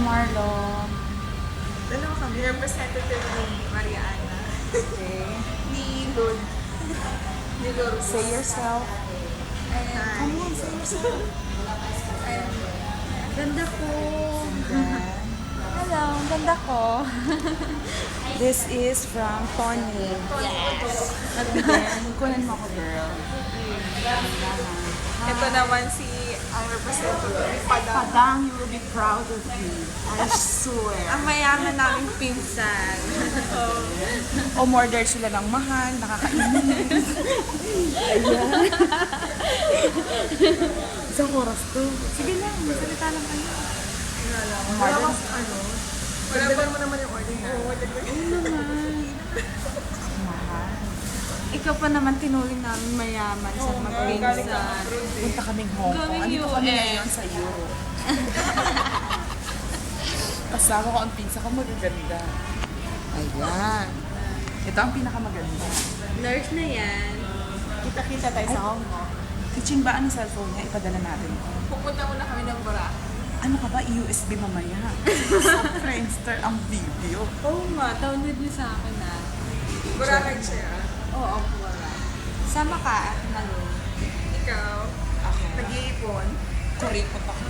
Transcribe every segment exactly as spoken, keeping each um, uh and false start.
Marlon. Dalawa kami, representative ni Mariana. Okay. Ni Lud. Ni Lud. Say yourself. Ayan. Come on, say yourself. Ayan. Ganda ko. Hello, ang ganda ko. This is from Tony. Yes. At then, kunan mo ako, girl. Ito naman si ang representative ni Padang. Padang, you will be proud of me. I swear. Ang mayaman naming pinsan. Oh. O murder sila ng mahal, nakakainis. Ayan. Isang oras to. Sige lang, masalita lang kayo. Wala mas ano. Wala ba mo naman yung order na? Oo, naman. Mahal. Ikaw pa naman tinuling namin mayaman sa magpinsan. Punta kaming Hong Kong. Going Andito kami U S. ngayon sa Europe. Kasama ko ang pinsa ko magaganda. Ayan. Ito ang pinakamaganda. Nurse na yan. Kita-kita tayo sa Hong Kong. Teaching ba ang cellphone niya? Ipadala natin. Pupunta muna kami ng Boracay. Ano ka ba? U S B mamaya. Sa Friendster ang video. Oo nga, download niyo sa akin ah. Boracay siya. Oo, Boracay. Sama ka, Malo. Ikaw? Ako. Nag-iipon? Kuripot ako.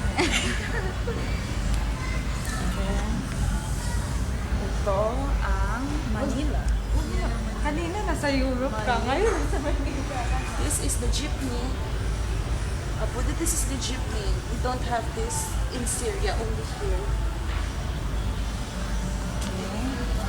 Ito ang Manila. Kanina nasa Europe ka, ngayon nasa Manila. This is the jeepney. Apo, this is the jeepney. We don't have this in Syria, only here. Okay.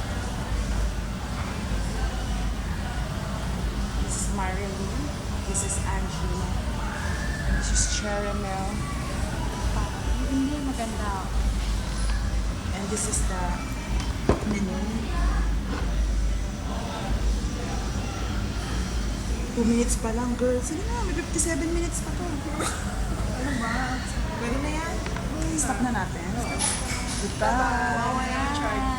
This is Marilyn. This is Angela. And this is Cherimel. Hindi maganda. And this is the menu. Two minutes pa lang, girl. Sige na, may fifty-seven minutes pa to. Ano ba? Pwede na yan? Stop na natin. Goodbye. Wala.